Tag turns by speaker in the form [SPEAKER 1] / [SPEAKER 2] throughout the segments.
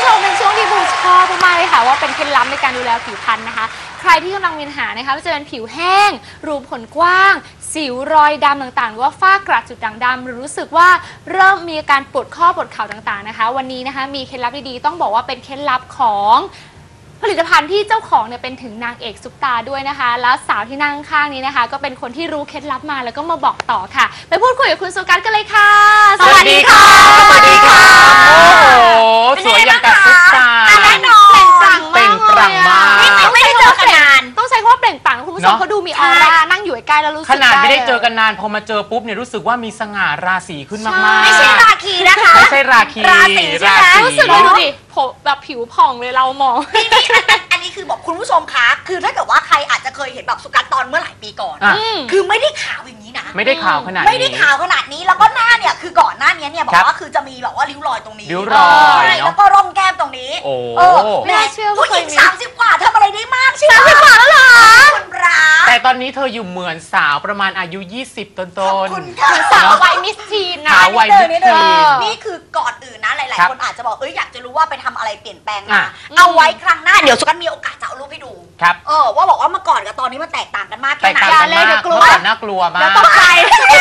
[SPEAKER 1] ผู้ชมเป็นช่วงที่บูชอบมากๆเลยค่ะว่าเป็นเคล็ดลับในการดูแลผิวพรรณนะคะใครที่กำลังมีปัญหานะคะไม่ว่าจะเป็นผิวแห้งรูผลกว้างสิวรอยดำต่างๆหรือว่าฝ้ากระจุดด่างดำหรือรู้สึกว่าเริ่มมีอาการปวดข้อปวดเข่าต่างๆนะคะวันนี้นะคะมีเคล็ดลับดีๆต้องบอกว่าเป็นเคล็ดลับของผลิตภัณฑ์ที่เจ้าของเนี่ยเป็นถึงนางเอกซุปตาด้วยนะคะแล้วสาวที่นั่งข้างนี้นะคะก็เป็นคนที่รู้เคล็ดลับมาแล้วก็มาบอกต่อค่ะไปพูดคุยกับคุณสุกัสกันเลยค่ะ
[SPEAKER 2] สวัสดีค่ะสวัสดีค่ะโอ้โหสวยอย่างกับซุปตา
[SPEAKER 1] แน่นอนเปล่งปลั่งมาก
[SPEAKER 2] ไม่ได้เจอกันนาน
[SPEAKER 1] ต้องใช้คำว่าเปล่งปลั่งคุณผู้ชมเขาดูมีออร่านั่งอยู่ใกล้แล้วรู้สึก
[SPEAKER 2] ขนาดไม่ได้เจอกันนานพอมาเจอปุ๊บเนี่ยรู้สึกว่ามีสง่าราศีขึ้นมากๆ
[SPEAKER 3] ไม่ใช่ราคีนะคะ
[SPEAKER 2] ไม่ใช่ราคี
[SPEAKER 3] ราศี
[SPEAKER 1] รู้สึกดูดิผมแบบผิวผ่องเลยเรามอง
[SPEAKER 3] นี่อันนี้คือบอกคุณผู้ชมคะคือถ้าเกิดว่าใครอาจจะเคยเห็นแบบสุกัสตอนเมื่อหลายปีก่อนคือไม่ได้ขาวอย่างนี้นะ
[SPEAKER 2] ไม่ได้ขาวขนาดนี้
[SPEAKER 3] ไม่ได้ขาวขนาดนี้แล้วก็หน้าเนี่ยคือก่อนหน้านี้เนี่ยบอกว่าคือจะมีแบบว่าริ้วรอยตรงนี้
[SPEAKER 2] ริ้วรอย
[SPEAKER 3] แล้วก็ร่องแก้มตรงนี้
[SPEAKER 2] โอ้
[SPEAKER 1] ไม่เชื่อ
[SPEAKER 3] ผู้หญิง30 กว่าทำอะไรได้มาก
[SPEAKER 1] ใช่ไหม30 กว่าแล้วเหรอ
[SPEAKER 3] คุณปรา
[SPEAKER 2] แต่ตอนนี้เธออยู่เหมือนสาวประมาณอายุ20ต้น
[SPEAKER 3] ๆคุณค่ะ
[SPEAKER 1] สาววัยมิสทีนนะ
[SPEAKER 2] สาววัยมิสทีน
[SPEAKER 3] นี่คือก่อนอื่นนะหลายๆคนอาจจะบอกอยากจะรู้ว่าไปทำอะไรเปลี่ยนแปลงมาเอาไว้ครั้งหน้าเดี๋ยวสุกัสมีโอกาสจะเอารูปให้ดู
[SPEAKER 2] ครับ
[SPEAKER 3] ว่าบอกว่าเมื่อก่อนกับตอนนี้มันแตกต่างกันมากแค่ไหน
[SPEAKER 2] เลยเดี๋ยวกลัวน่ากลัวมาก
[SPEAKER 1] แล้วต้องใจ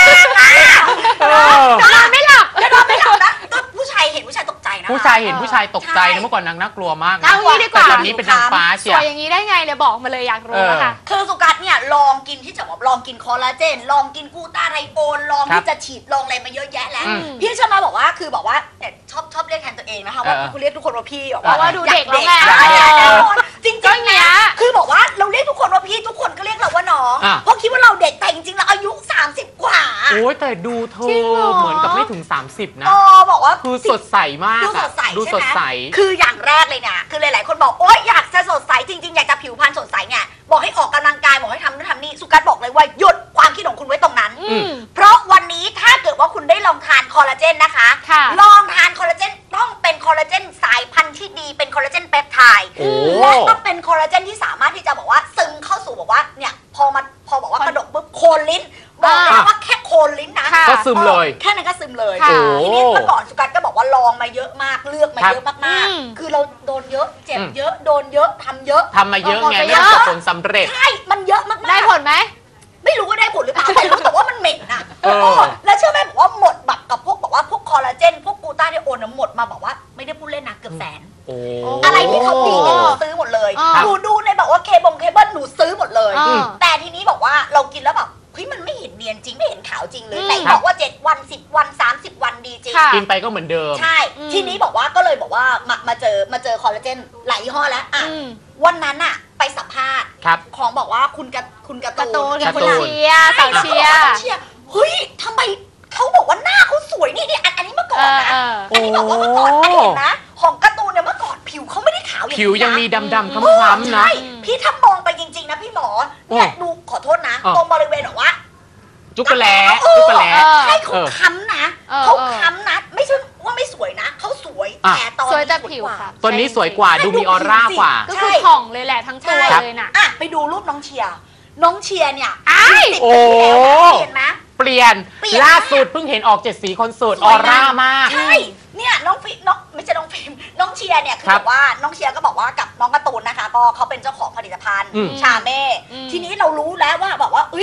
[SPEAKER 1] จะนอนไม่หลับ
[SPEAKER 3] นะผู้ชายเห็นผู้ชายตกใจนะ
[SPEAKER 2] ผู้ชายเห็นผู้ชายตกใจนะเมื่อก่อนนางน่ากลัวมาก
[SPEAKER 1] เอางี้ดีกว่า
[SPEAKER 2] ตอนนี้เป็นนางฟ้าเชียว
[SPEAKER 1] สวยอย่างนี้ได้ไงเลยบอกมาเลยอยากรู้นะคะ
[SPEAKER 3] คือสุกัสเนี่ยลองกินที่จะบอกลองกินคอลลาเจนลองกินกูต้าไทโอนลองที่จะฉีดลองอะไรมาเยอะแยะแล้วพี่ชมาบอกว่าคือบอกว่าชอบเรียกแทนตัวเองนะคะว่าคุณเรียกทุกคนว่าพี่บอก
[SPEAKER 1] ว่าดูเด็กแล้วไง
[SPEAKER 3] จริงๆนะคือบอกว่าเราเรียกทุกคนว่าพี่ทุกคนก็เรียกเราว่าน้องเพราะคิดว่าเราเด็กแต่จริงๆเราอายุ30 กว่า
[SPEAKER 2] โอ้ยแต่ดูเธอเหมือนกับไม่ถึง30นะ
[SPEAKER 3] บอกว่า
[SPEAKER 2] คือสดใสมากดูสดใส
[SPEAKER 3] คืออย่างแรกเลยนะคือหลายๆคนบอกโอ๊ยอยากจะสดใสจริงๆอยากจะผิวพรรณสดใสเนี่ยบอกให้ออกกำลังกายบอกให้ทำนู่นทำนี่สุกัสบอกเลยว่าหยุดความคิดของคุณไว้ตรงนั้นเพราะวันนี้ถ้าเกิดว่าคุณได้ลองทานคอลลาเจนนะคะลองทานคอลลาเจนต้องเป็นคอลลาเจนสายพันธุ์ที่ดีเป็นคอลลาเจนเปปไทด์และก็เป็นคอลลาเจนที่สามารถที่จะบอกว่าซึมเข้าสู่บอกว่าเนี่ยพอบอกว่ากระดกปุ๊บโคนลิ้นบอกเลยว่าแค่โคนลิ้นนะ
[SPEAKER 2] ก็ซึมเลย
[SPEAKER 3] แค่นั้นก็ซึมเลยทีนี้เมื่อก่อนสุกัสก็บอกว่าลองมาเยอะมากเลือกมาเยอะมากๆคือเราโดนเยอะเจ็บเยอะโดนเยอะทำเยอะ
[SPEAKER 2] มาเยอะไงไม่ประสบผลสำเร็จ
[SPEAKER 3] ใช่มันเยอะมากๆ
[SPEAKER 1] ได้ผลไหม
[SPEAKER 3] ไม่รู้ว่าได้ผลหรือเปล่าแต่รู้แต่ว่ามันเหม็นนะแล้วเชื่อไหมบอกว่าหมดแบบกับพวกบอกว่าพวกคอลลาเจนพวกกูต้าเนี่ยโอนหมดมาบอกว่าไม่ได้พูดเล่นนะเกือบแสนอะไรที่เขาดีเนี่ยหนูซื้อหมดเลยหนูดูในแบบว่าเคเบิลหนูซื้อหมดเลยแต่ทีนี้บอกว่าเรากินแล้วแบบเฮ้ยมันไม่เห็นเนียนจริงไม่เห็นขาวจริงเลยแต่บอกว่า7 วัน10 วัน30 วันดีจริง
[SPEAKER 2] กินไปก็เหมือนเดิม
[SPEAKER 3] ใช่ทีนี้บอกว่าก็เลยบอกว่ามาเจอคอลลาเจนหลายยี่ห้อแล้ววันนั้นอะไปสัมภาษณ์ของบอกว่าคุณการ์ตูน
[SPEAKER 1] คุณเชียร์สาวเชียร์
[SPEAKER 3] เฮ้ยทำไมเขาบอกว่าหน้าเขาสวยนี่อันนี้เมื่อก่อนนะอันนี้บอกว่าเมื่อก่อนอันนี้เห็นนะของการ์ตูนเนี่ยเมื่อก่อนผิวเขาไม่ได้ขาวอย่างนี้
[SPEAKER 2] ผิวยังมีดำๆคล้ำๆนะ
[SPEAKER 3] พี่ถ้ามองไปจริงๆนะพี่หมอเนี่ยดูขอโทษนะตรงบริเวณบอกว่า
[SPEAKER 2] จุกกระแล
[SPEAKER 3] ใช่เขาค้ำนะเขาค้ำนะไม่ใช่ว่าไม่สวยนะเขาสวยแต่ตอนนี้สวยแต่
[SPEAKER 1] ผิวค่ะ
[SPEAKER 2] ตอนนี้สวยกว่าดูมีออร่ากว่า
[SPEAKER 1] ก็คือผ่องเลยแหละทั้งตัวเลยน่ะ
[SPEAKER 3] ไปดูรูปน้องเชียร์เนี่ย
[SPEAKER 2] โอ้
[SPEAKER 3] เห็นไหม
[SPEAKER 2] เปลี่ยนล่าสุดเพิ่งเห็นออก7 สีคอนเสิร์ตออร่ามาก
[SPEAKER 3] ใช่เนี่ยน้องไม่ใช่น้องฟิล์มน้องเชียร์เนี่ยคือแบบว่าน้องเชียร์ก็บอกว่ากับน้องการ์ตูนนะคะก็เขาเป็นเจ้าของผลิตภัณฑ์ชาเม่ทีนี้เรารู้แล้วว่าแบบว่า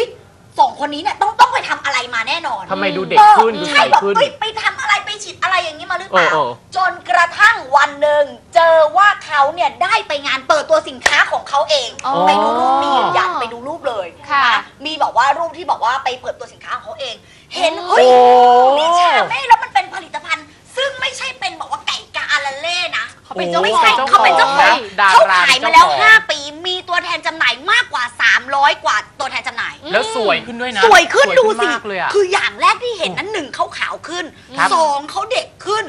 [SPEAKER 3] 2 คนนี้เนี่ยต้องไปทำอะไรมาแน่นอน
[SPEAKER 2] ทำไมดูเด็กขึ้นดูใสขึ้น
[SPEAKER 3] ไปทำอะไรไปฉีดอะไรอย่างนี้มาหรือเปล่าจนกระทั่งวันหนึ่งเจอว่าเขาเนี่ยได้ไปงานเปิดตัวสินค้าของเขาเองไปดูรูปมียันไปดูรูปเลยนะมีบอกว่ารูปที่บอกว่าไปเปิดตัวสินค้าของเขาเองเห็นเฮ้ยนี่ชาเม่แล้วมันเป็นผลิตภัณฑ์ซึ่งไม่ใช่เป็นบอกว่าไก่กาอาราเล่นะเขาเป็นเจ้าของเขาขายมาแล้ว5 ปีมีตัวแทนจำหน่ายมากกว่า300 กว่าตัวแทนจำหน่าย
[SPEAKER 2] แล้วสวยขึ้นด้วยนะ
[SPEAKER 3] สวยขึ้นดูสิคืออย่างแรกที่เห็นนั้น1เขาขาวขึ้น2เขาเด็กขึ้น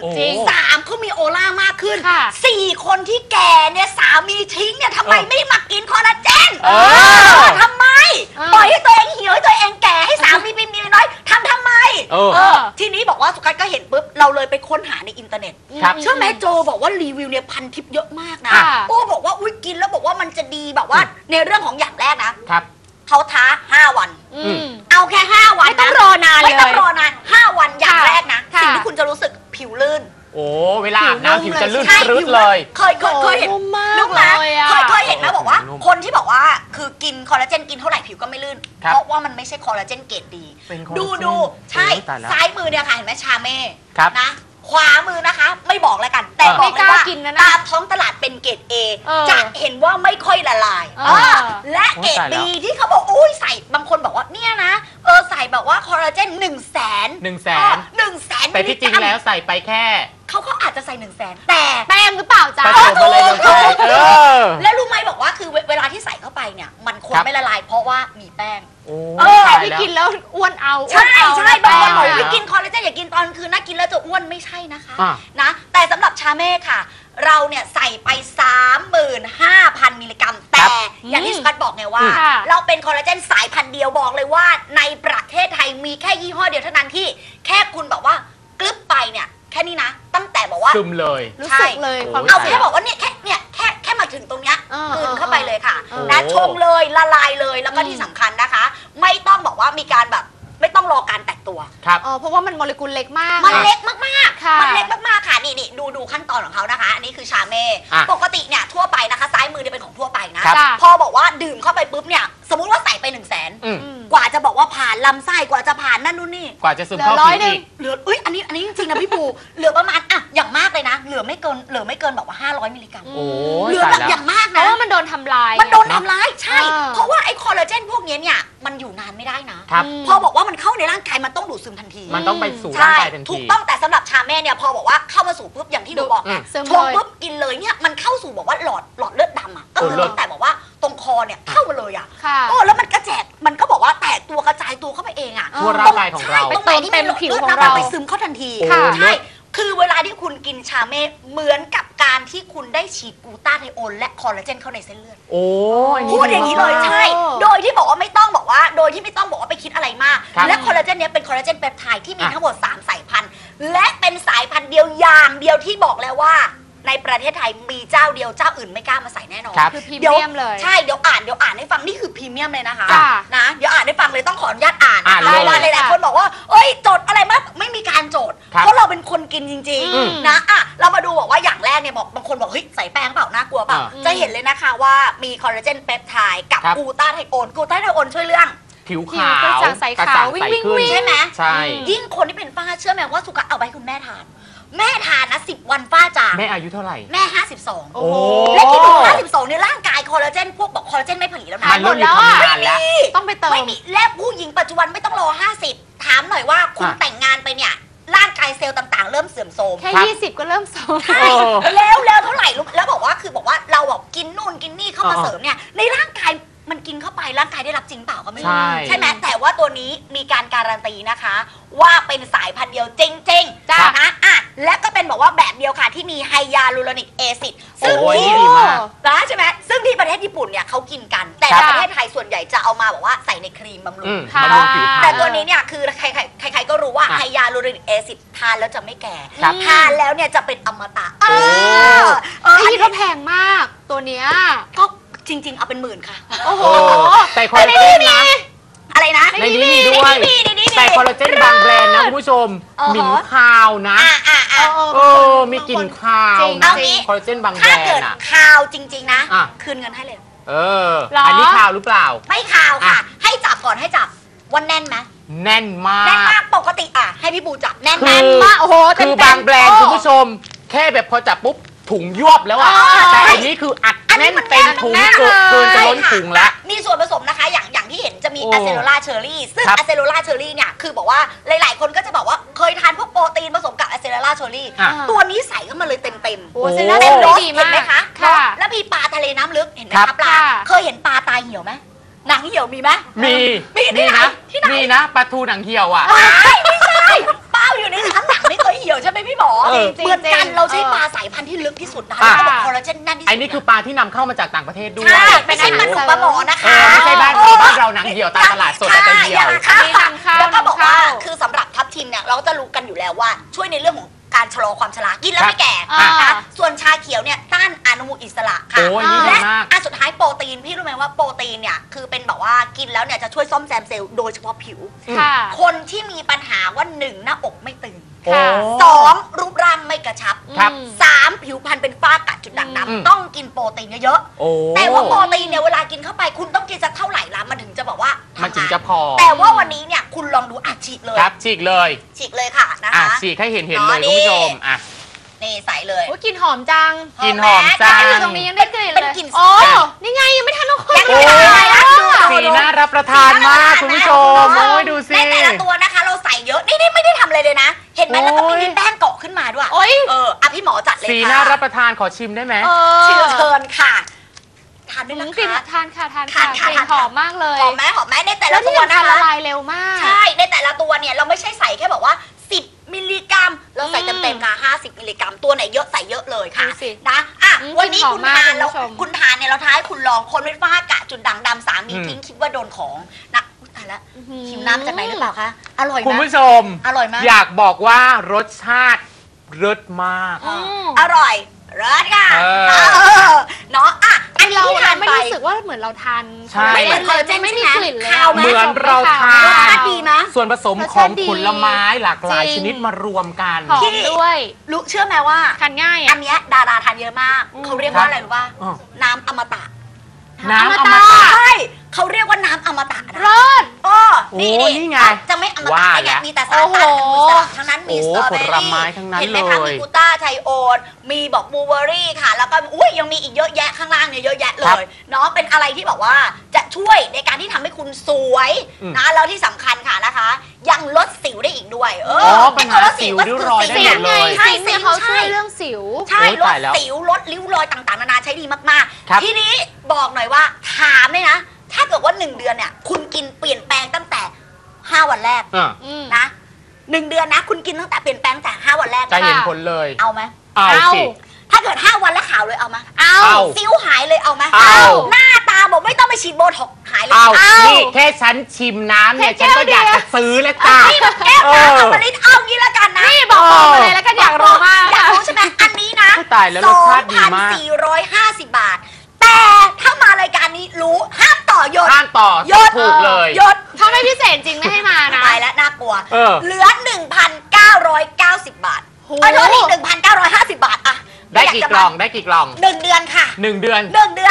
[SPEAKER 3] 3เขามีโอล่ามากขึ้น4คนที่แก่เนี่ยสามีทิ้งเนี่ยทำไมไม่มากินคอลลาเจนทำไมปล่อยให้ตัวเองเหี่ยวให้ตัวเองแก่ให้สามีมีเมียน้อยทำไมทีนี้บอกว่าสุกัสก็เห็นปุ๊บเราเลยไปค้นหาในอินเทอร์เน็ตเชื่อไหมโจบอกว่ารีวิวเนี่ยพันทิปเยอะมากนะโอ้บอกว่าอุ้ยกินแล้วบอกว่ามันจะดีแบบว่าในเรื่องของอย่างแรกนะเขาท้า5 วันเอาแค่5 วัน
[SPEAKER 1] ไม่ต้องรอนานเลย
[SPEAKER 3] ไม่ต้องรอนาน5 วันอย่างแรกนะสิ่งที่คุณจะรู้สึกผิวลื่น
[SPEAKER 2] โอ้เวลาอาบน้ำผิวจะลื่น
[SPEAKER 3] ใช่
[SPEAKER 2] ปลื้ดเลย
[SPEAKER 3] เคยเห็น
[SPEAKER 1] นุ่มมาก
[SPEAKER 3] นุ่มนะ
[SPEAKER 1] เลยอะ
[SPEAKER 3] เคยเห็นไหมบอกว่า
[SPEAKER 2] นุ่ม
[SPEAKER 3] คนที่บอกว่าคือกินคอลลาเจนกินเท่าไหร่ผิวก็ไม่ลื่น
[SPEAKER 2] ครับ
[SPEAKER 3] เพราะว่ามันไม่ใช่คอลลาเจนเกรดดี
[SPEAKER 2] เป็นคอลลาเจน
[SPEAKER 3] ดูใช่
[SPEAKER 2] โอ้ยตายแล้ว
[SPEAKER 3] ซ้ายมือเนี่ยค่ะเห็นไหมชาเม่
[SPEAKER 2] ครับ
[SPEAKER 3] นะขวามือนะคะ ไม่บอกแล้วกัน แต่
[SPEAKER 2] เออ
[SPEAKER 3] บอกเลยว่า
[SPEAKER 1] ไม่กล้ากินนะนะ
[SPEAKER 3] ตามท้องตลาดเป็นเกรด A
[SPEAKER 1] เออ
[SPEAKER 3] จะเห็นว่าไม่ค่อยละลาย
[SPEAKER 1] เออ
[SPEAKER 3] และเกรด
[SPEAKER 2] โอ้ยตายแล้
[SPEAKER 3] B
[SPEAKER 2] ว
[SPEAKER 3] ที่เขาบอกอุ้ยใส่บางคนบอกว่าเนี่ยนะใส่แบบว่าคอลลาเจน100,000
[SPEAKER 2] 100,000
[SPEAKER 3] 100,000
[SPEAKER 2] แต่ที่จริงแล้วใส่ไปแค่
[SPEAKER 3] เขาอาจจะใส่100,000แต่
[SPEAKER 1] แป้งหรือเปล่าจ๊ะ
[SPEAKER 2] ผสมอะไรลงไป
[SPEAKER 3] แล้วรู้ไหมบอกว่าคือเวลาที่ใส่เข้าไปเนี่ยมันคง
[SPEAKER 2] ครับ
[SPEAKER 3] ไม่ละลายเพราะว่ามีแป้ง
[SPEAKER 2] โอ้
[SPEAKER 1] แต่
[SPEAKER 2] ตาย
[SPEAKER 1] ที่
[SPEAKER 2] แล้ว
[SPEAKER 1] กินแล้วอ้วนเอา
[SPEAKER 3] ใช่
[SPEAKER 1] อ้วนเอา
[SPEAKER 3] ใช่บางคนบอก
[SPEAKER 1] แป้
[SPEAKER 3] ว่า
[SPEAKER 1] อะ
[SPEAKER 3] กินคอลลาเจนอย่ากินตอนคืนนะกินแล้วจะอ้วนไม่ใช่นะคะ
[SPEAKER 2] อ่ะ
[SPEAKER 3] นะแต่สำหรับชาเม่ค่ะ เราเนี่ยใส่ไป 35,000 มิลลิกรัม แต่อย่างที่สกัดบอกไงว่า
[SPEAKER 1] ค่ะ
[SPEAKER 3] เราเป็นคอลลาเจนสายพันธุ์เดียวบอกเลยว่า ในประเทศไทยมีแค่ยี่ห้อเดียวเท่านั้นที่แค่คุณบอกว่ากลึบไปเนี่ยแค่นี้นะ ตั้งแต่บอกว่า
[SPEAKER 2] ซึมเลย
[SPEAKER 1] รู้สึกเลยความ
[SPEAKER 3] เอา
[SPEAKER 1] รู้สึ
[SPEAKER 3] แค่
[SPEAKER 1] ก
[SPEAKER 3] บอกว่าเนี่ยแค่มาถึงตรงเนี้ย
[SPEAKER 1] เออ
[SPEAKER 3] กลืนเข้าไปเลยค่ะ
[SPEAKER 1] เออ
[SPEAKER 3] นะชงเลยละลายเลยแล้วก็ที่สำคัญนะคะ ไม่ต้องบอกว่ามีการแบบไม่ต้องรอการแตกตัว
[SPEAKER 2] ครับ
[SPEAKER 1] เพราะว่ามันโมเลกุลเล็กมาก
[SPEAKER 3] มันเล็กมาก
[SPEAKER 1] ค่ะ
[SPEAKER 3] ๆ มันเล็กมากๆค่ะนี่ดูขั้นตอนของเขานะคะ อันนี้คือชาเม่
[SPEAKER 2] อ่ะ
[SPEAKER 3] ปกติเนี่ยทั่วไปนะคะ ซ้ายมือเนี่ยเป็นของทั่วไปนะ
[SPEAKER 2] ครับ
[SPEAKER 3] พอบอกว่าดื่มเข้าไปปุ๊บเนี่ยสมมุติว่าใส่ไป100,000
[SPEAKER 2] อืม
[SPEAKER 3] กว่าจะบอกว่าผ่านลำไส้กว่าจะผ่านนั่นนู่นนี่
[SPEAKER 2] กว่าจะซึมเข้า
[SPEAKER 1] เหลือ
[SPEAKER 2] ผิว
[SPEAKER 1] 100
[SPEAKER 2] อีก
[SPEAKER 3] เหลืออันนี้จริงๆนะพี่ปู เหลือประมาณอ่ะอย่างมากเลยนะ เหลือไม่เกินแบบว่า500 มิลลิกรัม
[SPEAKER 2] โอ้ย
[SPEAKER 3] เหลือ
[SPEAKER 2] ตาย
[SPEAKER 3] แบบ
[SPEAKER 2] แล้ว
[SPEAKER 3] อย่างมาก
[SPEAKER 1] เพ
[SPEAKER 3] นะ
[SPEAKER 1] ราะว่ามันโดนทำลาย
[SPEAKER 3] มันโดนทำร้ายใช่
[SPEAKER 1] เออ
[SPEAKER 3] เพราะว่าไอ้คอลลาเจนพวกเนี้ยเนี่ยมันอยู่นานไม่ได้นะ
[SPEAKER 2] ครับ
[SPEAKER 3] พอบอกว่ามันเข้าในร่างกายมันต้องดูดซึมทันที
[SPEAKER 2] มันต้องไปสู่ร่าง
[SPEAKER 3] ใช่
[SPEAKER 2] กายทัน
[SPEAKER 3] ถู
[SPEAKER 2] ที
[SPEAKER 3] กต้องแต่สำหรับชาเม่เนี่ยพอบอกว่าเข้ามาสู่ปุ๊บอย่างที่หนูบอก
[SPEAKER 2] อืม
[SPEAKER 1] ซึม
[SPEAKER 3] ช
[SPEAKER 1] เล
[SPEAKER 3] ง
[SPEAKER 1] ย
[SPEAKER 3] ปุ๊บกินเลยเนี่ยมันเข้าสู่บอกว่าหลอดเลือดดำอ่ะก็คือ
[SPEAKER 2] เออ
[SPEAKER 3] ตั้งแต่บอกว่าตรงคอเนี่ยเข้ามาเลยอ่ะ
[SPEAKER 1] ค่ะ
[SPEAKER 3] โอ้แล้วมันกระแจกมันก็บอกว่าแตกตัวกระจายตัวเข้าไปเองอ่ะ
[SPEAKER 2] ทั่วร่างกายของเรา
[SPEAKER 3] ใช่ตรงไหนที่มัน
[SPEAKER 1] ไปเติมเต็มผิว
[SPEAKER 3] ลืด
[SPEAKER 1] ของ
[SPEAKER 3] น้ำ
[SPEAKER 1] เรา
[SPEAKER 3] มันไปซึมเข้าทันที
[SPEAKER 2] โอ้
[SPEAKER 3] ใช่ คือเวลาที่คุณกินชาเม่เหมือนกับการที่คุณได้ฉีดกลูตาไทโอนและคอลลาเจนเข้าในเส้นเลือด
[SPEAKER 2] โอ้ย
[SPEAKER 3] พูดอย่างนี้เลย
[SPEAKER 1] อ๋อ
[SPEAKER 3] ใช่ โดยที่บอกว่าไม่ต้องบอกว่า โดยที่ไม่ต้องบอกว่าไปคิดอะไรมาก
[SPEAKER 2] ครับ
[SPEAKER 3] และคอลลาเจนเนี้ยเป็นคอลลาเจนเปปไทด์ที่มี
[SPEAKER 2] อ่ะ
[SPEAKER 3] ทั้งหมด 3 สายพันธุ์ และเป็นสายพันธุ์เดียวอย่างเดียวที่บอกแล้วว่า ในประเทศไทยมีเจ้าเดียวเจ้าอื่นไม่กล้ามาใส่แน่นอน
[SPEAKER 2] ครับ
[SPEAKER 1] คือพรีเมียมเลย
[SPEAKER 3] ใช่เดี๋ยวอ่านให้ฟังนี่คือพรีเมียมเลยนะคะ
[SPEAKER 1] จ้ะ
[SPEAKER 3] นะเดี๋ยวอ่านให้ฟังเลยต้องขออนุญาตอ่าน
[SPEAKER 2] อ่านเลย
[SPEAKER 3] เพราะว่าหลายๆคนบอกว่าเอ้ยจดอะไรมาไม่มีการจด
[SPEAKER 2] ครับ
[SPEAKER 3] เพราะเราเป็นคนกินจริง
[SPEAKER 1] อืม
[SPEAKER 3] ๆนะอ่ะเรามาดูบอกว่าอย่างแรกเนี่ยบอกบางคนบอกเฮ้ยใส่แป้งเปล่าน่ากลัวเปล่า จะเห็นเลยนะคะว่ามีคอลลาเจนเปปไทด์กับ
[SPEAKER 2] ครับ
[SPEAKER 3] กลูตาไทโอนกลูตาไทโอนช่วยเรื่อง
[SPEAKER 2] ผิว
[SPEAKER 1] ผิ
[SPEAKER 2] ขาว
[SPEAKER 1] กระจ่างใส
[SPEAKER 2] กระ
[SPEAKER 1] ขา
[SPEAKER 2] จ่าว ง
[SPEAKER 1] วิ่
[SPEAKER 2] ใส
[SPEAKER 1] งวิ่ง
[SPEAKER 2] ขึ้น
[SPEAKER 1] วิ่ง
[SPEAKER 3] ใช่ไหม
[SPEAKER 2] ใช่
[SPEAKER 3] ยิ่งคนที่เป็นฝ้าเชื่อไหมว่าสุกะเอาไปให้คุณแม่ทาน แม่ทานนะ10 วันฝ้าจาง
[SPEAKER 2] แม่อายุเท่าไหร่
[SPEAKER 3] แม่ 52
[SPEAKER 1] โอ้โห
[SPEAKER 3] และคิดดู52เนี่ยร่างกายคอลลาเจนพวกบอกคอลลาเจนไม่ผลิตแล้วนะ
[SPEAKER 2] มันเริ่มมีทำงานแล้ว
[SPEAKER 1] ต้องไปเติม
[SPEAKER 3] ไม่มีและผู้หญิงปัจจุบันไม่ต้องรอ 50 ถามหน่อยว่าคุณ
[SPEAKER 2] อ่ะ
[SPEAKER 3] แต่งงานไปเนี่ยร่างกายเซลล์ต่างๆ เริ่มเสื่อมโทรม
[SPEAKER 1] แค่
[SPEAKER 2] ครับ
[SPEAKER 1] 20 ก็เริ่มโซม
[SPEAKER 2] เออ
[SPEAKER 3] แล้วเท่าไหร่รู้แล้วบอกว่าคือบอกว่าเราแบบกินนู่นกินนี่เข้ามา
[SPEAKER 2] อ่า
[SPEAKER 3] เสริมเนี่ยในร่างกายมันกินเข้าไปร่างกายได้รับจริงเปล่าก็ไม่รู้
[SPEAKER 2] ใช่
[SPEAKER 3] ใช่ไหมแต่ว่าตัวนี้มีการการันตีนะคะ ว่าเป็นสายพันธุ์เดียวจริงๆ
[SPEAKER 1] จ้ะ
[SPEAKER 3] นะอ่ะและก็เป็นบอกว่าแบบเดียวค่ะที่มีไฮยาลูโรนิกแอซิดซึ่ง
[SPEAKER 2] โอ้ย
[SPEAKER 3] ที่
[SPEAKER 2] ดีมาก
[SPEAKER 3] นะใช่ไหมซึ่งที่ประเทศญี่ปุ่นเนี่ยเขากินกัน แต่
[SPEAKER 2] ครั
[SPEAKER 3] ใน
[SPEAKER 2] บ
[SPEAKER 3] ประเทศไทยส่วนใหญ่จะเอามาบอกว่าใส่ในครีมบำรุ
[SPEAKER 2] อื
[SPEAKER 3] ง
[SPEAKER 2] ม
[SPEAKER 1] ค่ะ
[SPEAKER 2] บำรุงผิวพรร
[SPEAKER 3] แต่
[SPEAKER 2] ณ
[SPEAKER 3] ตัวนี้เนี่ยคือใครๆก็รู้ว่า
[SPEAKER 2] อ่ะ
[SPEAKER 3] ไฮยาลูโรนิกแอซิดทานแล้วจะไม่แก่
[SPEAKER 2] ครับ
[SPEAKER 3] ทานแล้วเนี่ยจะเป็นอมตะ
[SPEAKER 2] โอ้
[SPEAKER 1] ไอ้ที่ก็แพงมากตัวเนี้ย
[SPEAKER 3] ก็จริง ๆ เอาเป็นหมื่นค่ะ
[SPEAKER 1] โอ้โห
[SPEAKER 2] แต่คอลลาเจนนะ
[SPEAKER 3] อะไรนะ
[SPEAKER 2] ในนี้มีด้วย
[SPEAKER 3] ในนี้มี
[SPEAKER 2] แต่คอลลาเจนบางแบรนด์นะคุณผู้ชม
[SPEAKER 3] อ๋อ
[SPEAKER 2] หมิ่นคาวนะ เออ มีกลิ่นคาว
[SPEAKER 1] จริง
[SPEAKER 2] นะ
[SPEAKER 3] เอางี้
[SPEAKER 2] คอลลาเจนบางแบร
[SPEAKER 3] ถ้าน เกิด
[SPEAKER 2] ด์อ่ะ
[SPEAKER 3] ข่าวจริง ๆ นะ
[SPEAKER 2] อ่ะ
[SPEAKER 3] คืนเงินให้เลย
[SPEAKER 2] เออ
[SPEAKER 1] เหรออั
[SPEAKER 2] อันนี้คาวหรือเปล่า
[SPEAKER 3] ไม่ข่าวค่ะ
[SPEAKER 2] อ่ะ
[SPEAKER 3] ให้จับก่อนให้จับวันแน่นไหม
[SPEAKER 2] แน่นมา
[SPEAKER 3] แน่น
[SPEAKER 2] ก
[SPEAKER 3] มากปกติอ่ะให้พี่บูจับแน่น
[SPEAKER 2] คื
[SPEAKER 3] ไหม
[SPEAKER 2] อ
[SPEAKER 1] มากโอ้โห
[SPEAKER 2] คือบาง
[SPEAKER 1] เต็มๆ
[SPEAKER 2] แบรนด์
[SPEAKER 1] โอ้
[SPEAKER 2] คุณผู้ชม แค่แบบพอจับปุ๊บถุงยวบแล้วอ่ะ แต่อันนี้คืออัด
[SPEAKER 3] อันนี้
[SPEAKER 2] แน่น
[SPEAKER 3] มัน
[SPEAKER 2] เต็ม
[SPEAKER 3] แน่น
[SPEAKER 2] ถุง
[SPEAKER 3] มาก
[SPEAKER 2] เกินจะ
[SPEAKER 3] ใช่
[SPEAKER 2] ล้น
[SPEAKER 3] ค่ะ
[SPEAKER 2] ถุงแล้ว
[SPEAKER 3] มีส่วนผสมนะคะอย่างที่เห็นจะมี
[SPEAKER 2] โอ้
[SPEAKER 3] อะเซโลลาเชอรี่ซึ่ง
[SPEAKER 2] ครับ
[SPEAKER 3] อะเซโลลาเชอรี่เนี่ยคือบอกว่าหลายๆคนก็จะบอกว่าเคยทานพวกโปรตีนผสมกับอะเซโลลาเชอรี่
[SPEAKER 2] อ่ะ
[SPEAKER 3] ตัวนี้ใส่เข้ามาเลยเต็ม
[SPEAKER 1] โอ้
[SPEAKER 2] โอ้
[SPEAKER 1] เซรั่ม
[SPEAKER 3] เต็มร
[SPEAKER 1] ได้
[SPEAKER 3] ส
[SPEAKER 1] ดี
[SPEAKER 3] เห็น
[SPEAKER 1] มาก
[SPEAKER 3] ไหมคะ
[SPEAKER 1] ค่ะ
[SPEAKER 3] แล้วมีปลาทะเลน้ำลึกเห็นไหม
[SPEAKER 2] ครั
[SPEAKER 3] คะ
[SPEAKER 2] บ
[SPEAKER 3] ปลา
[SPEAKER 1] ค่ะ
[SPEAKER 3] เคยเห็นปลาตายเหี่ยวไหมหนังเหี่ยวมีไหม
[SPEAKER 2] มี
[SPEAKER 3] มีที่ไหน
[SPEAKER 2] นะ
[SPEAKER 3] ที่ไหน
[SPEAKER 2] มีนะปลาทูหนังเหี่ยวอ่ะ
[SPEAKER 3] ไม่ใช่ปลาอยู่ในน้ำหนังไม่เคยเหี่ยวใช่ไหมพี่หมอ
[SPEAKER 2] เออ
[SPEAKER 3] เหมือนกัน
[SPEAKER 1] จริงๆ
[SPEAKER 3] เราใช้ปลาสายพันธุ์ที่ลึกที่สุดนะคะ
[SPEAKER 2] อ่ะ
[SPEAKER 3] เขาบอกคอลลาเจนแน่นที่สุด
[SPEAKER 2] ไอ้นี่คือปลาที่นำเข้ามาจากต่างประเทศด้วย
[SPEAKER 3] ใช่ไม่ใช่ปลาดุกปลาหมอนะคะ
[SPEAKER 2] ไม่ใช่บ้านเราหนังเหี่ยวตามตลาดสดอาจจะเหี่ยว
[SPEAKER 3] ค่ะ
[SPEAKER 1] อันนี้นำเข้า
[SPEAKER 3] แล้วก็บอกว่า
[SPEAKER 1] นำเข้า
[SPEAKER 3] คือสำหรับทับทิมเนี่ยเราก็จะรู้กันอยู่แล้วว่าช่วยในเรื่องของการชะลอความชรากินแล้วไม่แก่
[SPEAKER 1] อ่า
[SPEAKER 3] นะคะส่วนชาเขียวเนี่ยต้านอนุมูลอิสระค่ะ
[SPEAKER 2] โอ้ยนี่ดี
[SPEAKER 3] และ
[SPEAKER 2] มาก
[SPEAKER 3] อันสุดท้ายโปรตีนพี่รู้ไหมว่าโปรตีนเนี่ยคือเป็นแบบว่ากินแล้วเนี่ยจะช่วยซ่อมแซมเซลล์โดยเฉพาะผิว
[SPEAKER 1] ค่ะ
[SPEAKER 3] คนที่มีปัญหาว่า1 หน้าอกไม่ตึง
[SPEAKER 2] โอ้
[SPEAKER 1] ค่ะ
[SPEAKER 3] 2 รูปร่างไม่กระชับ
[SPEAKER 2] ครับ
[SPEAKER 3] 3ผิวพรรณเป็นฝ้ากระจุดด่างดำต้องกินโปรตีนเยอะๆแต่ว่าโปรตีนเนี่ยเวลากินเข้าไปคุณต้องกินสักเท่าไหร่ละมันถึงจะบอกว่า
[SPEAKER 2] มันถึงจะพอ
[SPEAKER 3] แต่ว่าวันนี้เนี่ยคุณลองดูฉีกเลย
[SPEAKER 2] ครับฉีกเลย
[SPEAKER 3] ค่ะนะคะ
[SPEAKER 2] ฉีกให้เห็นเลยคุณผู้ชม
[SPEAKER 3] นี่ใส่เลย
[SPEAKER 1] กลิ่นหอมจัง
[SPEAKER 2] กลิ่นหอมจัง
[SPEAKER 1] อยู่ตรงนี้ยังได้กลิ่นเลย
[SPEAKER 3] กลิ่น
[SPEAKER 1] นี่ไงยังไม่ทันทุกคน
[SPEAKER 2] สีน่ารับประทานมากคุณผู้ชมโอ้ยดูสิ
[SPEAKER 3] ในแต่ละตัวนะคะเราใส่เยอะนี่ไม่ได้ทำอะไรเลยนะเห็นไหมแล้วก็มีแป้งเกาะขึ้นมาด้วยพี่หมอจัดเลยค่ะ
[SPEAKER 2] สีน่ารับประทานขอชิมได้ไหม
[SPEAKER 3] เชิญค่ะทานด้วยนะคะ
[SPEAKER 1] ทานค่ะกลิ่นหอมมากเลย
[SPEAKER 3] หอมไหมในแต่ละตัวนะคะ
[SPEAKER 1] ละลายเร็วมาก
[SPEAKER 3] ใช่ในแต่ละตัวเนี่ยเราไม่ใช่ใส่แค่บอกว่า10 มิลลิกรัมเราใส่เต็มๆค่ะ50 มิลลิกรัมตัวไหนเยอะใส่เยอะเลยค่ะนะวันนี้คุณทานเนี่ยเราท้ายคุณลองคนเป็นฝ้ากระจุดด่างดำสามีทิ้งคิดว่าโดนของนะตายแล้วหิวน้ำจากไหนหรือเปล่าคะอร่อย
[SPEAKER 2] คุณผู้ชม
[SPEAKER 3] อร่อยมาก
[SPEAKER 2] อยากบอกว่ารสชาติรสมาก
[SPEAKER 3] อร่อยรสค่ะเนาะอันนี้ที่ทาน
[SPEAKER 1] ไม่รู้สึกว่าเหมือนเราทาน
[SPEAKER 3] ไม่เหมือนคอลลาเจน
[SPEAKER 1] ไม่มีกลิ่นเลย
[SPEAKER 2] เหมือนเราทาน
[SPEAKER 3] รสชาติดีนะ
[SPEAKER 2] ส่วนผสมของผลไม้หลากหลายชนิดมารวมกัน
[SPEAKER 1] หอมด้วย
[SPEAKER 3] รู้เชื่อไหมว่า
[SPEAKER 1] ทานง่าย
[SPEAKER 3] อันนี้ดาราทานเยอะมากเขาเรียกว่าอะไรรู้ป่ะน้ำอมตะ
[SPEAKER 2] น้ำอมตะ
[SPEAKER 3] ใช่เขาเรียกว่าน้ำอมตะ
[SPEAKER 1] รส
[SPEAKER 2] นี่ไง
[SPEAKER 3] จะไม่อมตะได้ไงมีแต่สารต้านอนุมูลอิสระทั้งนั้นมีสตรอเบอรี่เห็นไหมคะมีกูต้าไทโอนมีบอกบลูเบอรี่ค่ะแล้วก็ยังมีอีกเยอะแยะข้างล่างเนี่ยเยอะแยะเลยเนาะเป็นอะไรที่บอกว่าจะช่วยในการที่ทำให้คุณสวยนะแล้วที่สำคัญค่ะนะคะยังลดสิวได้อีกด้วย
[SPEAKER 2] ปัญหาสิวริ้วรอยได้หมดเลย
[SPEAKER 1] ใช่เขาช่วยเรื่องสิว
[SPEAKER 3] ใช่ลดสิวลดริ้วรอยต่างๆนานาใช้ดีมากๆทีนี้บอกหน่อยว่าถามเลยนะถ้าเกิดว่า1 เดือนเนี่ยคุณกินเปลี่ยนแปลงตั้งแต่5 วันแรกนะ1 เดือนนะคุณกินตั้งแต่เปลี่ยนแปลงแต่5 วันแรก
[SPEAKER 2] จะเห็นผลเลย
[SPEAKER 3] เอาไหม
[SPEAKER 2] เอาสิ
[SPEAKER 3] ถ้าเกิด5 วันแล้วขาวเลยเอาไหม
[SPEAKER 2] เอา
[SPEAKER 3] ซิ้วหายเลยเอาไหม
[SPEAKER 2] เอา
[SPEAKER 3] หน้าตาบอกไม่ต้องไปฉีดโบท็อกหายเลย
[SPEAKER 2] เอานี่แค่ฉันชิมน้ำเนี่ยฉันก็อยากจะซื้อแล้วจ้า
[SPEAKER 3] นี่มันแก้วน้ำอมฤตเอางี้ละกันนะ
[SPEAKER 1] นี่บอกมาเลยแล้วกันอยากรู้มาก
[SPEAKER 3] อยากรู้ใช่ไหมอันนี้นะ
[SPEAKER 2] ตายแล้วรสชาติดีมาก
[SPEAKER 3] 2,450 บาทแต่ถ้ามารายการนี้รู้ห้ามต่อยศ
[SPEAKER 2] ห้ามต่อถูกเลย
[SPEAKER 3] ยศ
[SPEAKER 1] ถ้าไม่พิเศษจริงไม่ให้มานะ
[SPEAKER 3] ตายแล้วน่ากลัวเหลือ 1,990 บาทโทษที1,950 บาทอะ
[SPEAKER 2] ได้กี่กล่อง
[SPEAKER 3] 1 เดือนค่ะ
[SPEAKER 2] 1 เดือน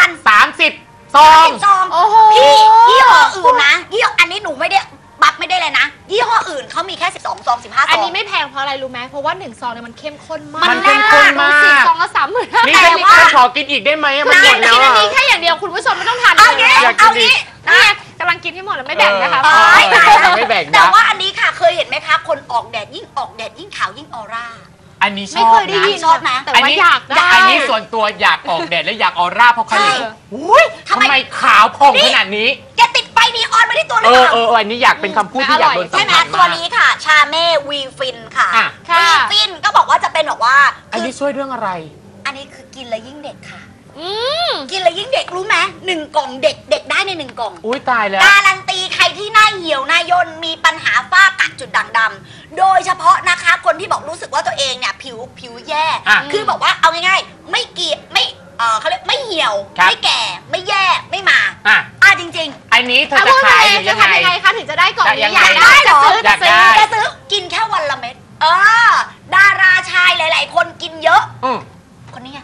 [SPEAKER 2] 30 ซอง
[SPEAKER 3] พี่ยี่ห้ออื่นนะยี่ห้ออันนี้หนูไม่ได้บัฟไม่ได้เลยนะยี่ห้ออื่นเขามีแค่12 ซอง15 ซอง
[SPEAKER 1] อันนี้ไม่แพงเพราะอะไรรู้ไหมเพราะว่า1 ซองเนี่ยมันเข้มข้นมาก
[SPEAKER 2] มันเข้มข้นมาก
[SPEAKER 1] 4 ซองก็30,000
[SPEAKER 2] นี่แต่ว่าขอกินอีกได้ไหมมันหมดแล้ว
[SPEAKER 1] อันนี้แค่อย่างเดียวคุณผู้ชมไม่ต้องทานเลย
[SPEAKER 3] เอางี้
[SPEAKER 1] นี่กำลังกินให้หมดแล้วไม่แบ่งนะคะ
[SPEAKER 2] ไม่แบ่งนะ
[SPEAKER 3] แต่ว่าอันนี้ค่ะเคยเห็นไหมคะคนออกแดดยิ่งออกแดดยิ่งขาวยิ่งออร่า
[SPEAKER 2] อันนี้ชอบนะ
[SPEAKER 3] ชอบนะ
[SPEAKER 1] แต่ว่าอยากได้
[SPEAKER 2] อันนี้ส่วนตัวอยากออกแดดและอยากออร่าเพราะใครทำไมขาวผ่องขนาดนี้
[SPEAKER 3] แกติดไฟนีออนมาที่ตัวเลยค่ะ
[SPEAKER 2] อันนี้อยากเป็นคำพูดที่อยากโดนสัมผัสมาก
[SPEAKER 3] ใช่ไหมตัวนี้ค่ะชาเม่วีฟินค่ะวีฟินก็บอกว่าจะเป็นแบบว่า
[SPEAKER 2] อันนี้ช่วยเรื่องอะไร
[SPEAKER 3] อันนี้คือกินแล้วยิ่งเด็กค่ะกินแล้วยิ่งเด็กรู้ไหม1 กล่องเด็กได้ใน1 กล่อง
[SPEAKER 2] อุ้ยตายแล้ว
[SPEAKER 3] การันตีใครที่หน้าเหี่ยวหน้าย่นมีปัญหาฝ้ากระจุดด่างดำโดยเฉพาะนะคะคนที่บอกรู้สึกว่าตัวเองเนี่ยผิวแย่คือบอกว่าเอาง่ายๆไม่เกลียดไม่เขาเรียกไม่เหี่ยวไม่แก่ไม่แย่ไม่มาจริง
[SPEAKER 2] ๆอันนี้เธอจะขายยังไง
[SPEAKER 1] คะถึงจะได้กล่องนี้
[SPEAKER 3] อยากได้เหรอ
[SPEAKER 2] อยากได้
[SPEAKER 3] จะซื้อกินแค่วันละเม็ดดาราชายหลายๆคนกินเยอะคนนี้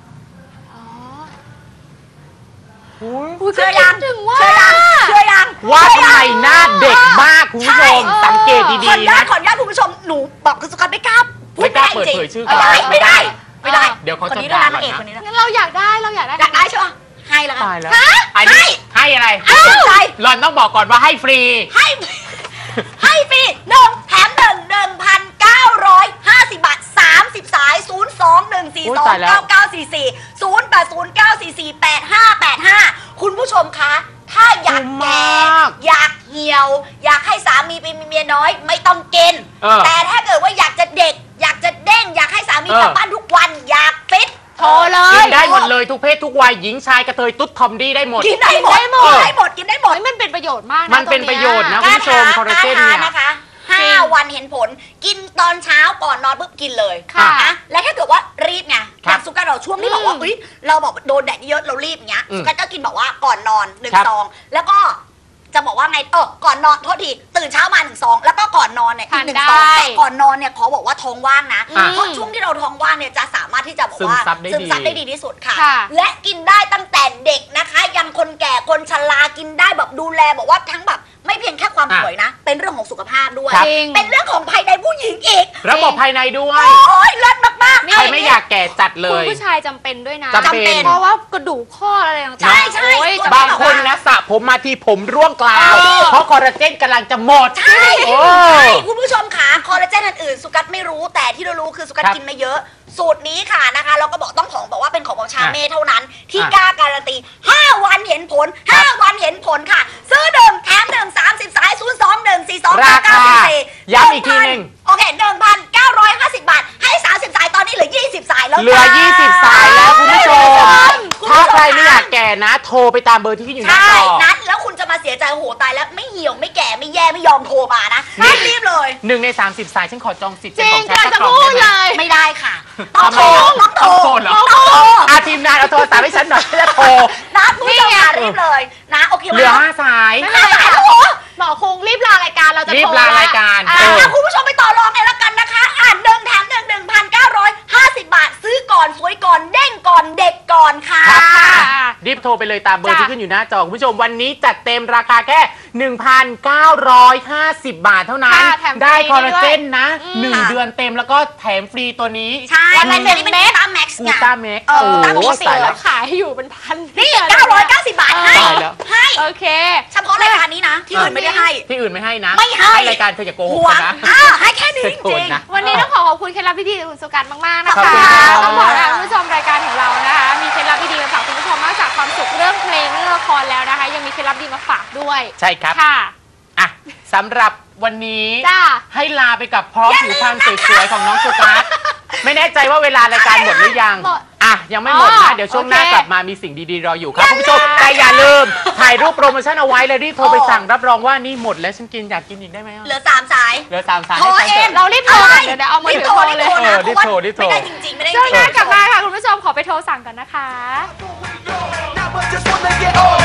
[SPEAKER 1] เชื่อยัง
[SPEAKER 2] ว่าทำไมหน้าเด็กมากคุณผู้ชมสังเกตดีๆนะ
[SPEAKER 3] ขออนุญาตคุณผู้ชมหนูบอกคุณสุกัญไม่กล้า
[SPEAKER 2] เปิดเผยชื่อ
[SPEAKER 3] ไม่ได้
[SPEAKER 2] เดี๋ยวเขาจะ
[SPEAKER 3] ด่า
[SPEAKER 2] ก่อน
[SPEAKER 3] นะ
[SPEAKER 1] งั้นเราอยากได้
[SPEAKER 3] ใช่ไหมให้แล้วกัน
[SPEAKER 2] ให้อะไรหล่อนต้องบอกก่อนว่าให้ฟรี
[SPEAKER 3] ให้ฟรี1 แถม 1,950 บาท30 สาย02-142-9944 คุณผู้ชมคะถ้าอยากแก่อยากเหี่ยวอยากให้สามีเป็นเมียน้อยไม่ต้องกินแต่ถ้าเกิดว่าอยากจะเด็กอยากจะเด้งอยากให้สามีกลับบ้านทุกวันอยากฟิต
[SPEAKER 1] โทรเลย
[SPEAKER 2] กินได้หมดเลยทุกเพศทุกวัยหญิงชายกระเทยตุ๊ดทอมดี้ได้หมด
[SPEAKER 3] กินได้หมด
[SPEAKER 1] มันเป็นประโยชน์มากนะ
[SPEAKER 2] มันเป็นประโยชน์นะคุณผู้ชมคอลลาเจนเนี่ย
[SPEAKER 3] นะคะ5 วันเห็นผลกินตอนเช้าก่อนนอนปุ๊บกินเลยนะและถ้าเกิดว่ารีบไงอย่างสุกัญเราช่วงที่บอกว่าเราบอกโดนแดดเยอะเรารีบอย่างเงี้ยสุกัญก็กินบอกว่าก่อนนอน1 ซองแล้วก็จะบอกว่าไงก่อนนอนโทษทีตื่นเช้ามา1 ซองแล้วก็ก่อนนอนเนี่ยอีก1 ซองแต่ก่อนนอนเนี่ยขอบอกว่าท้องว่างนะเพราะช่วงที่เราท้องว่างเนี่ยจะสามารถที่จะบอกว่าซึมซับได้ดีที่สุดค่ะและกินได้ตั้งแต่เด็กนะคะยันคนแก่คนชรากินได้แบบดูแลบอกว่าทั้งแบบไม่เพียงแค่ความสวยนะเป็นเรื่องของสุขภาพด้วยเป็นเรื่องของภายในผู้หญิงอีก
[SPEAKER 2] ระบบภายในด้วย
[SPEAKER 3] โอ้ยเลิศมากๆ
[SPEAKER 2] ใครไม่อยากแก่จัดเลย
[SPEAKER 1] คุณผู้ชายจำเป็นด้วยนะ
[SPEAKER 2] จำเป็น
[SPEAKER 1] เพราะว่ากระดูกข้ออะไรต่างๆ
[SPEAKER 3] ใช่
[SPEAKER 2] บางคนนะสระผมมาที่ผมร่วงกลาวเพราะคอลลาเจนกำลังจะหมด
[SPEAKER 3] ใช่คุณผู้ชมค่ะคอลลาเจนอื่นๆสุกัสไม่รู้แต่ที่เรารู้คือสุกัสกินมาเยอะสูตรนี้ค่ะนะคะเราก็บอกบอกว่าเป็นของชาเม่เท่านั้นที่กล้าการันตี5 วันเห็นผล5 วันเห็นผลค่ะซื้อ1 แถม1 30 สาย02142
[SPEAKER 2] ราคาย้ำอีกทีนึง
[SPEAKER 3] โอเค 1,950 บาทให้30 สายตอนนี้เหลือ20 สายแล้ว
[SPEAKER 2] เหลือ20 สายแล้วคุณผู้ชมถ้าใครไม่อยากแก่นะโทรไปตามเบอร์ที่ขึ้นอยู่หน้าจอ
[SPEAKER 3] นั้นแล้วคุณจะมาเสียใจโหตายแล้วไม่เหี่ยวไม่แก่ไม่แย่ไม่ยอมโทรมานะรีบเลย
[SPEAKER 2] 1 ใน 30 สายฉันขอจองสิทธิ์เป็นของแท้
[SPEAKER 1] จะพูดเลย
[SPEAKER 3] ไม่ได้ค่ะต้องโทร
[SPEAKER 2] เหรอทีมงานเอาโทรศัพท์ให้ฉันหน่อยจะโทร
[SPEAKER 3] นะผู้ชมรีบเลยนะโอเค
[SPEAKER 2] เหลือ5 สาย
[SPEAKER 1] หมอคงรีบลารายการเราจะโทร
[SPEAKER 2] รีบลารายการ
[SPEAKER 3] คุณผู้ชมไปต่อรองเลยละกันนะคะ1 แถม 1 1,950 บาทซื้อก่อนสวยก่อนเด้งก่อนเด็กก่อนค่ะ
[SPEAKER 2] รีบโทรไปเลยตามเบอร์ที่ขึ้นอยู่หน้าจอคุณผู้ชมวันนี้จัดเต็มราคาแค่ 1,950 บาทเท่านั้นได้คอลลาเจนนะ1 เดือนเต็มแล้วก็แถมฟรีตัวนี้
[SPEAKER 3] ใช่วันละ1 เม็ด
[SPEAKER 2] กูต้าแม็ก
[SPEAKER 1] ตายแล้วขายอยู่เป็นพัน
[SPEAKER 3] นี่990 บาทให้
[SPEAKER 1] โอเค
[SPEAKER 3] เฉพาะรายการนี้นะที่อื่นไม่ได้ให้
[SPEAKER 2] ที่อื่นไม่ให้นะ
[SPEAKER 3] ไม่ให้
[SPEAKER 2] รายการเธออย่าโกหกนะ
[SPEAKER 3] ให้แค่นี้จริง
[SPEAKER 1] วันนี้ต้องขอบคุณเคล็ดลับดีๆคุณสุกันมากๆนะคะต้องบอกนะคุณผู้ชมรายการของเรานะคะมีเคล็ดลับดีๆมาฝากคุณผู้ชมนอกจากความสุขเรื่องเพลงเรื่องละครแล้วนะคะยังมีเคล็ดลับดีมาฝากด้วย
[SPEAKER 2] ใช่ครับ
[SPEAKER 1] ค่ะ
[SPEAKER 2] สำหรับวันนี้ให้ลาไปกับพร้อมผิวพรรณสวยๆของน้องสุกัสไม่แน่ใจว่าเวลารายการหมดหรือยังยังไม่หมดนะเดี๋ยวช่วงหน้ากลับมามีสิ่งดีๆรออยู่ครับคุณผู้ชมแต่อย่าลืมถ่ายรูปโปรโมชั่นเอาไว้เลยรีบโทรไปสั่งรับรองว่านี่หมดแล้วฉันกินอยากกินอีกได้ไหม
[SPEAKER 3] เหลือ3 สาย
[SPEAKER 2] เหลือ3 สาย
[SPEAKER 1] เรารีบโทรเดี๋ยวเอามือถือโทรเลย
[SPEAKER 2] รีบโทร
[SPEAKER 3] ไม่ได้จริงๆไม่ได้
[SPEAKER 1] ช่วงหน้ากลับมาค่ะคุณผู้ชมขอไปโทรสั่งกันนะคะ